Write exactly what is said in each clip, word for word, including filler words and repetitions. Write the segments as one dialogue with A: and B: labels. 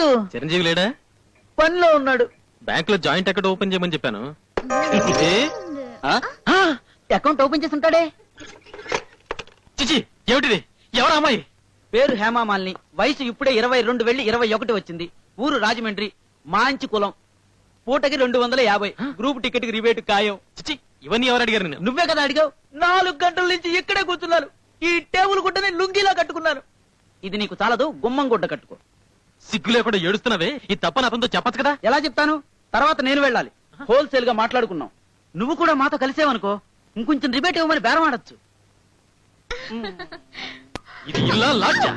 A: వద్దు.
B: చిరంజీవి లేడా?
A: పనిలో ఉన్నాడు.
B: బ్యాంక్ లో జాయింట్ అకౌంట్ ఓపెన్ చేయమని చెప్పాను.
A: అకౌంట్ ఓపెన్ చేసి ఉంటాడే.
B: చిచి, ఏమిటిది? ఎవరు అమ్మాయి?
A: పేరు హేమామాలిని. వయసు ఇప్పుడే ఇరవై రెండు వెళ్లి ఇరవై ఒకటి వచ్చింది. ఊరు రాజమండ్రి. మాంచి కులం. పూటకి రెండు వందల యాభై. గ్రూప్ టికెట్ కి రిబేట్ ఖాయం.
B: చిచి, ఇవన్నీ ఎవరు అడిగారు? నేను
A: నువ్వే కదా అడిగావు. నాలుగు గంటల నుంచి ఇక్కడే కూర్చున్నాను. ఈ టేబుల్ గుడ్డని లుంగిలా కట్టుకున్నాను. ఇది నీకు చాలదు, గుమ్మం గుడ్డ కట్టుకో.
B: సిగ్గు లేకుండా ఏడుస్తున్నావే. ఈ తప్పని అతనితో చెప్పచ్చు కదా.
A: ఎలా చెప్తాను? తర్వాత నేను వెళ్ళాలి. హోల్సేల్ గా మాట్లాడుకున్నాం. నువ్వు కూడా మాతో కలిసేవనుకో, ఇంకొంచెం రిబేట్ ఇవ్వమని బేరం ఆడచ్చు.
B: ఇది ఇల్లా లాడ్జా?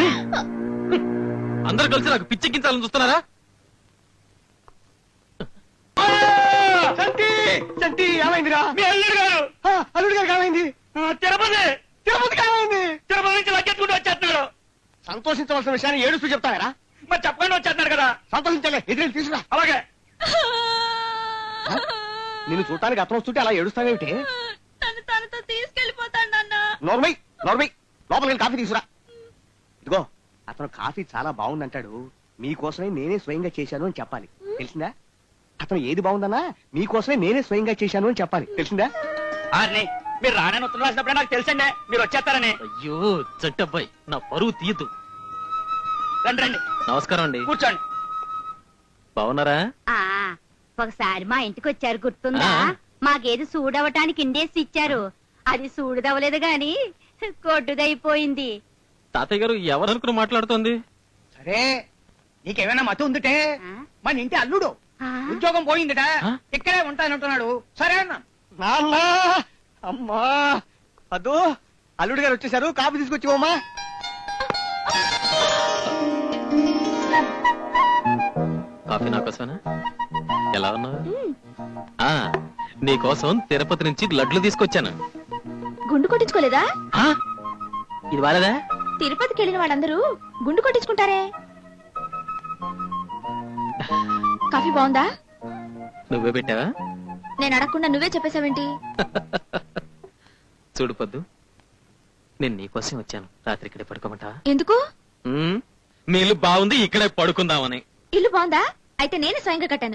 B: అందరు కలిసి నాకు పిచ్చెక్కించాలని చూస్తున్నారా?
C: ఏమైందిరా? మీ అల్లుడు గారు అల్లుడు గారు ఏమైంది? తిరుపతి తిరుపతికి ఏమైంది? తిరుపతి నుంచి లగ్గెత్తుకుంటూ వచ్చేస్తున్నాడు. సంతోషించవలసిన విషయాన్ని ఏడుస్తూ చెప్తారా? మరి చెప్పకుండా వచ్చేస్తున్నాడు కదా. సంతోషించలే, ఎదురు తీసుకురా. అలాగే. నిన్ను చూడటానికి అతను వస్తుంటే అలా ఏడుస్తావేమిటి?
D: తను తనతో తీసుకెళ్లిపోతాడు నాన్న.
C: నోర్మై నోర్మై లోపలికి కాఫీ తీసుకురా. ఇదిగో, అతను కాఫీ చాలా బాగుందంటాడు. మీకోసమే నేనే స్వయంగా చేశాను అని చెప్పాలి, తెలిసిందా? అతను ఏది బాగుందన్నా మీకోసమే నేనే స్వయంగా చేశాను అని చెప్పాలి, తెలిసిందా?
A: మీరు రానని ఉత్తరం రాసినప్పుడే నాకు తెలుసండి మీరు వచ్చేస్తారని.
B: అయ్యో చట్టబ్బాయి, నా పరువు తీయదు.
A: రండి రండి.
B: నమస్కారం అండి.
A: కూర్చోండి.
B: బాగున్నారా?
D: ఆ ఒకసారి మా ఇంటికి వచ్చారు, గుర్తుందా? మాకేది సూడవటానికి ఇండేసి ఇచ్చారు. అది సూడుదవలేదు గాని కొట్టుదైపోయింది.
B: తాతయ్య గారు ఎవరనుకుని మాట్లాడుతోంది?
C: సరే, నీకేమైనా మతి ఉందిటే? మన ఇంటి అల్లుడు ఉద్యోగం పోయిందిట, ఇక్కడే ఉంటానంటున్నాడు. సరే అన్నా. నాన్న అమ్మా అదో అల్లుడు గారు వచ్చేసారు, కాఫీ తీసుకొచ్చివమ్మా.
B: కాఫీ నాకోసమేనా? ఎలా ఉన్నావు? నీకోసం తిరుపతి నుంచి లడ్లు తీసుకొచ్చాను.
D: గుండు కొట్టించుకోలేదా?
B: ఇది వాలేదా?
D: తిరుపతికి వెళ్ళిన వాళ్ళందరూ గుండు కొట్టించుకుంటారే. కాఫీ బాగుందా?
B: నువ్వే పెట్టావా?
D: నేను అడగకుండా నువ్వే చెప్పేశావేంటి?
B: చూడు పొద్దు, నేను నీకోసం వచ్చాను. రాత్రి ఇక్కడే పడుకోమంటావా?
D: ఎందుకు?
B: మీ ఇల్లు బాగుంది, ఇక్కడే పడుకుందామని.
D: ఇల్లు బాగుందా? అయితే నేను స్వయంగా కట్టాను.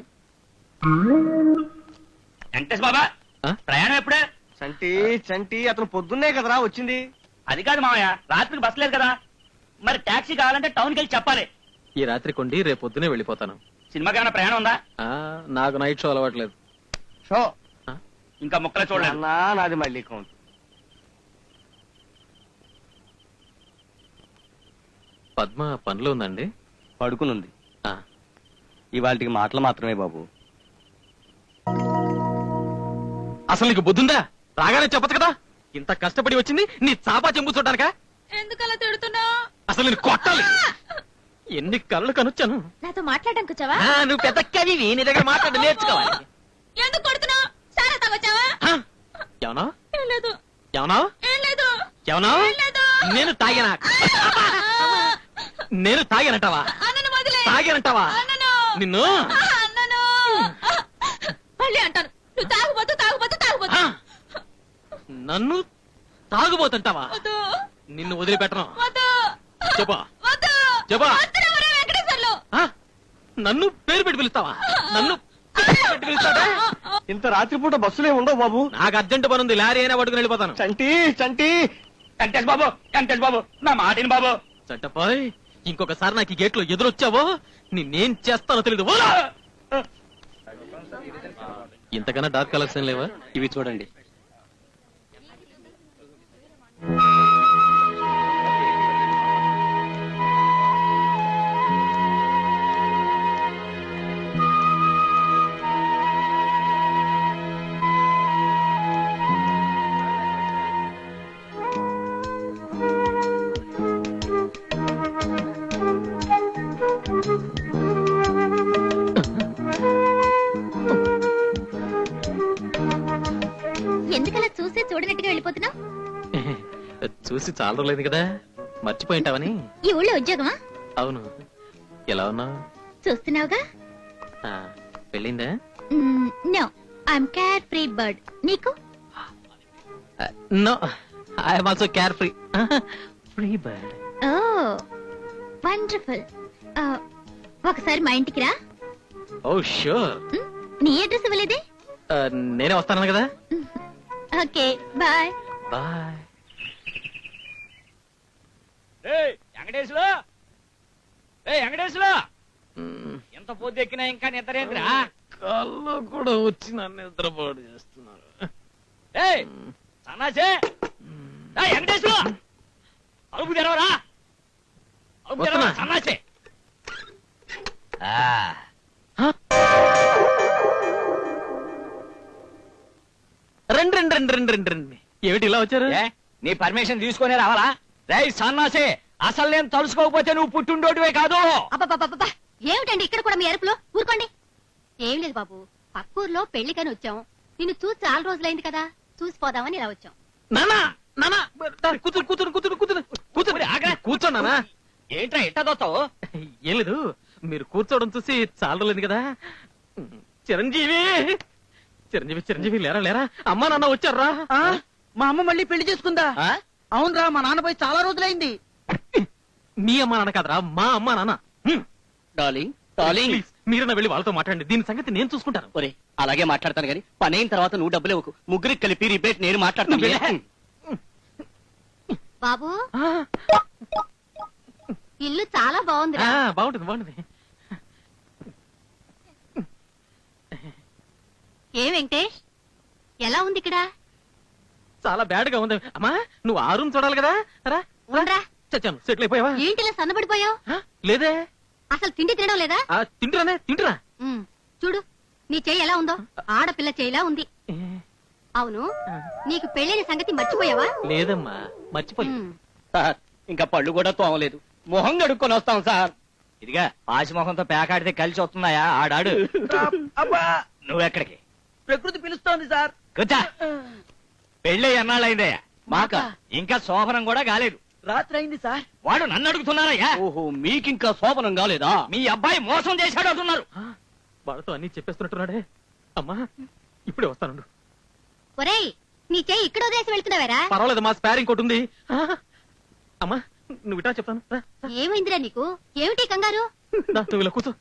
A: వెంకటేష్ బాబా, ప్రయాణం ఎప్పుడే?
C: చంటి చంటి అతను పొద్దున్నే కదరా వచ్చింది.
A: అది కాదు మామయ్య, రాత్రికి బస్ లేదు కదా. మరి టాక్సీ కావాలంటే టౌన్కి వెళ్ళి చెప్పాలి.
B: ఈ రాత్రి కొండి రేపు పొద్దునే వెళ్ళిపోతాను.
A: సినిమాకి ఏమైనా ప్రయాణం ఉందా?
B: నాకు నైట్ షో అలవాట్లేదు.
C: షో
A: ఇంకా ముక్కలే చూడలేదు.
C: నాది మళ్ళీ కౌంట్.
B: పద్మ పనిలో ఉందండి?
C: పడుకునుంది. ఇవాళకి మాటలు మాత్రమే బాబు.
B: అసలు నీకు బుద్ధుందా? రాగానే చెప్పదు కదా. ఇంత కష్టపడి వచ్చింది నీ చాపా చెంబు చూడడానికా?
D: ఎందుకలా తిడుతున్నావు?
B: అసలు నేను కొట్టాలి. ఎన్ని కళ్ళు కనొచ్చాను.
D: నాతో మాట్లాడడానికి వచ్చావా?
B: నువ్వు పెద్ద కవివి, నీ దగ్గర మాట్లాడి నేర్చుకోవాలి.
D: ఎందుకు కొడుతున్నావు? సారా తాగొచ్చావా?
B: ఏమన్నా
D: లేదు.
B: ఏమన్నా
D: లేదు.
B: ఏమన్నా నేను తాగినా? నేను తాగానంటావా? తాగానంటావా? నిన్ను
D: మళ్ళీ అంటాను. నువ్వు తాగుబోతు తాగుబోతు తాగుబోతు.
B: నన్ను తాగుబోతుంటావా? నిన్ను వదిలిపెట్టను. చెప్పా చెప్పా. నన్ను పేరు పెట్టి పిలుస్తావా? నన్ను పెట్టి పిలుస్తాడా?
C: ఇంత రాత్రిపూట బస్సులే ఉండవు బాబు.
B: నాకు అర్జెంట్ పని ఉంది, లారీ అయినా పట్టుకుని వెళ్ళిపోతాను.
C: చంటి చంటి
A: వెంకటేష్ బాబు, వెంకటేష్ బాబు, నా మాటిని బాబు.
B: చట్టపాయ్, ఇంకొకసారి నాకు ఈ గేట్ లో ఎదురొచ్చావో నిన్నేం చేస్తానో తెలీదు. ఇంతకన్నా డార్క్ కలర్స్ ఏం లేవా?
C: ఇవి చూడండి.
D: ఎందుకలా చూసే చూడనట్టుగా వెళ్ళిపోతున్నావు?
B: చూసి చాలా రోజులైంది కదా, మర్చిపోయింటావని.
D: ఈ ఊళ్ళో ఉద్యోగమా?
B: అవును. ఎలా ఉన్నావు?
D: చూస్తున్నావుగా.
B: పెళ్ళిందా?
D: No, I'm care free bird. నీకు?
B: No, I'm also care free free bird.
D: Oh wonderful. ఒకసారి మా ఇంటికి రా.
B: ఓ షూర్.
D: ఉమ్, నీ అడ్రస్ ఇవ్వలేదే?
B: నేనే వస్తాను కదా.
D: Okay bye.
B: Bye.
C: Venkateshwara Venkateshwara ఎంత పొద్దు ఎక్కినా ఇంకా నిద్రేంద్రా?
B: కళ్ళు కూడా వచ్చి నన్ను నిద్రపాటు చేస్తున్నారు.
C: సన్నాసే వెంకటేశ్వర అలుపు తెరవరా, అలుపు తెరవరా సన్నాసే.
B: రండి రండి రండి రండి రండి రండి. ఏమిటి ఇలా వచ్చారు?
C: ఏ, నీ పర్మిషన్ తీసుకునే రావాలా? రే సన్నాసే, అసలు నేను తలుసుకోకపోతే నువ్వు పుట్టుండోటివే కాదు.
D: అబ్బబ్బబ్బబ్బా, ఏమిటండి ఇక్కడ కూడా మీ అరుపులో? ఊరుకోండి. ఏం లేదు బాబు, పక్కూర్లో పెళ్లికని వచ్చాం. నిన్ను చూసి చాలా రోజులైంది కదా, చూసిపోదామని ఇలా వచ్చాం.
B: నానా నానా కూతురు కూతురు కూతురు కూతురు కూతురు ఆగ్రా కూర్చో నానా.
C: ఏంట్రా ఎట్టా దోస్తావు?
B: ఏం లేదు, మీరు కూర్చోవడం చూసి చాలా రోజులైంది కదా. చిరంజీవి చిరంజీవి చిరంజీవి లేరా లేరా, అమ్మా నాన్న వచ్చారా?
A: ఆ, మా అమ్మ మళ్ళీ పెళ్లి చేసుకుందా? అవునరా, మా నాన్న పోయి చాలా రోజులైంది.
B: మీ అమ్మా నాన్న కాదరా, మా అమ్మా నాన్న.
C: డార్లింగ్ డార్లింగ్
B: ప్లీజ్ మీరన్నా వెళ్ళి వాళ్ళతో మాట్లాడండి, దీని సంగతి నేను చూసుకుంటాను.
C: ఒరే అలాగే మాట్లాడతాను గాని పని అయిన తర్వాత నువ్వు డబ్బులు ఇవ్వకు. ముగ్గురికి కలిపి రిబేట్ నేను మాట్లాడతాను.
D: బాబు
B: ఆ,
D: ఇల్లు చాలా బాగుంది.
B: ఆ, బాగుంటుంది బాగుంటుంది.
D: ఏ వెంకటేష్, ఎలా ఉంది ఇక్కడ?
B: చాలా బ్యాడ్ గా ఉంది. అమ్మా నువ్వు ఆ రూమ్ చూడాలి కదా. రా
D: ఉండరా.
B: చచ్చాను, సెటిల్ అయిపోయావా?
D: ఏంటిలా సన్నబడిపోయావు?
B: ఆ, లేదే.
D: అసలు తిండి తినడం లేదా?
B: ఆ, తింటురానే తింటురా.
D: ఉమ్, చూడు నీ చెయ్యి ఎలా ఉందో, ఆడపిల్ల చెయ్యిలా ఉంది.
B: ఏ,
D: అవును, నీకు పెళ్ళైన సంగతి మర్చిపోయావా?
B: లేదమ్మా మర్చిపోలేదు.
D: ఉమ్,
C: సార్ ఇంకా పళ్ళు కూడా తోమలేదు, మొహం కడుక్కొని వస్తాం సార్. ఇదిగా పాసి మొహంతో పేకాడితే కలిసి వస్తున్నాయా ఆడాడు.
A: అబ్బా,
C: నువ్వెక్కడికి?
A: ప్రకృతి పిలుస్తోంది సార్.
C: కూర్చో. పెళ్ళి ఎన్నాళ్ళైందయ్యా? మాక ఇంకా శోభనం కూడా కాలేదు.
A: రాత్రి అయింది సార్.
C: వాడు నన్ను అడుగుతున్నారయ్యా. ఓహో మీకింకా శోభనం కాలేదా? మీ అబ్బాయి మోసం చేశాడు అంటున్నారు.
B: ఆ, వాళ్ళతో అన్ని చెప్పేస్తున్నట్టున్నాడే. అమ్మా ఇప్పుడే వస్తాను.
D: ఒరేయ్, నీ చెయ్యి ఇక్కడ వదిలేసి వెళ్తున్నావేరా?
B: పర్వాలేదు, మా స్పేర్ ఇంకోటి ఉంది. ఆ, అమ్మా నువ్వు ఇటా చెప్తాను. రా, రా.
D: ఏమైందిరా నీకు? ఏమిటి కంగారు?
B: దా, నువ్వు ఇలా కూర్చో.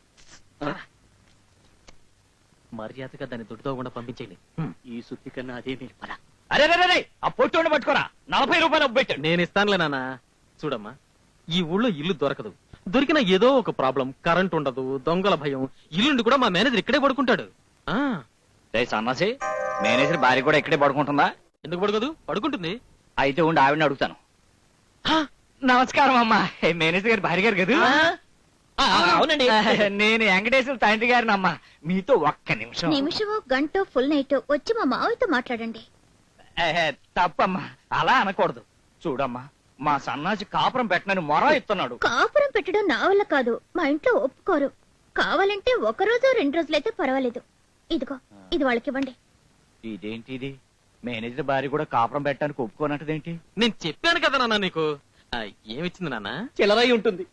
B: మర్యాదగా దాన్ని దుడ్డుతోకుండా పంపించేయండి.
C: ఈ సుత్తి కన్నా అదే మీరు పద. అరే రే రే, ఆ పొట్టు పట్టుకోరా, నలభై రూపాయలు పెట్టాడు.
B: నేను ఇస్తానులే నాన్న. చూడమ్మా, ఈ ఊళ్ళో ఇల్లు దొరకదు. దొరికిన ఏదో ఒక ప్రాబ్లం, కరెంట్ ఉండదు, దొంగల భయం. ఇల్లుండి కూడా మా మేనేజర్ ఇక్కడే పడుకుంటాడు. ఆ
C: సన్నాసి, మేనేజర్ భార్య కూడా ఇక్కడే పడుకుంటుందా?
B: ఎందుకు పడుకోదు? పడుకుంటుంది.
C: అయితే ఉండి ఆవిడని అడుగుతాను.
B: ఆ,
C: నమస్కారం అమ్మా, మేనేజర్ గారి భార్య గారు కదా?
B: ఆ, అవునండి.
C: నేను వెంకటేశ్వర తండ్రి గారిని అమ్మా. మీతో ఒక్క నిమిషం.
D: నిమిషమో గంట ఫుల్ నైట్ వచ్చి మా మావయ్యతో మాట్లాడండి.
C: ఏహే, తప్పమ్మా, అలా అనకూడదు. చూడమ్మా, మా సన్నాసి కాపురం పెట్టనని మొర ఇస్తున్నాడు.
D: కాపురం పెట్టడం నా వల్ల కాదు, మా ఇంట్లో ఒప్పుకోరు. కావాలంటే ఒక రోజు రెండు రోజులైతే పర్వాలేదు. ఇదిగో ఇది వాళ్ళకి ఇవ్వండి.
C: ఇదేంటి ఇది? మేనేజర్ భార్య కూడా కాపురం పెట్టడానికి ఒప్పుకోనట్టదేంటి?
B: నేను చెప్పాను కదా నాన్న నీకు. ఆ, ఏమిచ్చింది నాన్న?
C: చిల్లరై ఉంటుంది.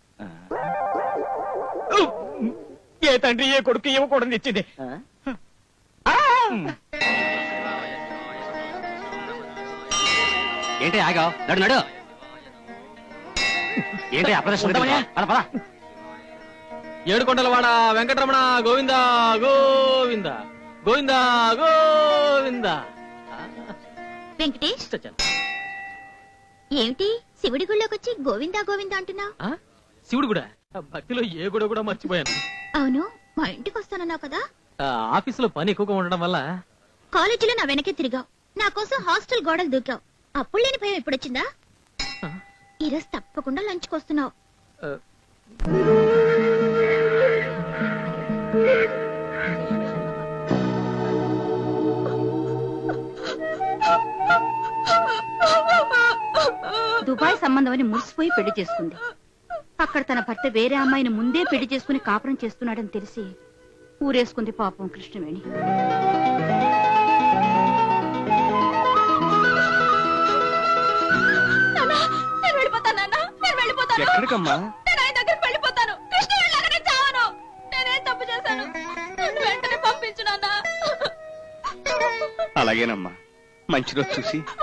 C: ఏ తండ్రి ఏ కొడుకు ఇవ్వకూడదు ఇచ్చింది. ఏంటి ఆగా? నడు నడు. ఏంటి అప్రదర్శన?
B: ఏడుకొండలవాడ వెంకటరమణ గోవింద గోవింద గోవింద గోవింద.
D: వెంకటేష్,
B: చచ్చాను.
D: ఏమిటి శివుడి గుళ్ళోకి వచ్చి గోవిందా గోవిందా అంటున్నావు?
B: ఆ, శివుడు కూడా. ఆ, భక్తిలో ఏ గుడి కూడా మర్చిపోయాను.
D: అవును, మా ఇంటికి వస్తానన్నావు కదా.
B: ఆ, ఆఫీసులో పని ఎక్కువగా ఉండడం వల్ల.
D: కాలేజీలో నా వెనకే తిరిగావు, నా కోసం హాస్టల్ గోడలు దూకావు. అప్పుడు లేని భయం ఎప్పుడొచ్చిందా?
B: ఆ,
D: ఈరోజు తప్పకుండా లంచ్కి వస్తున్నావు.
B: ఆ,
D: దుబాయ్ సంబంధం అని మురిసిపోయి పెళ్లి చేసుకుంది. అక్కడ తన భర్త వేరే అమ్మాయిని ముందే పెళ్లి చేసుకుని కాపురం చేస్తున్నాడని తెలిసి ఊరేసుకుంది పాపం కృష్ణవేణి.
C: ఎక్కడికమ్మా? అలాగేనమ్మా, మంచి రోజు చూసి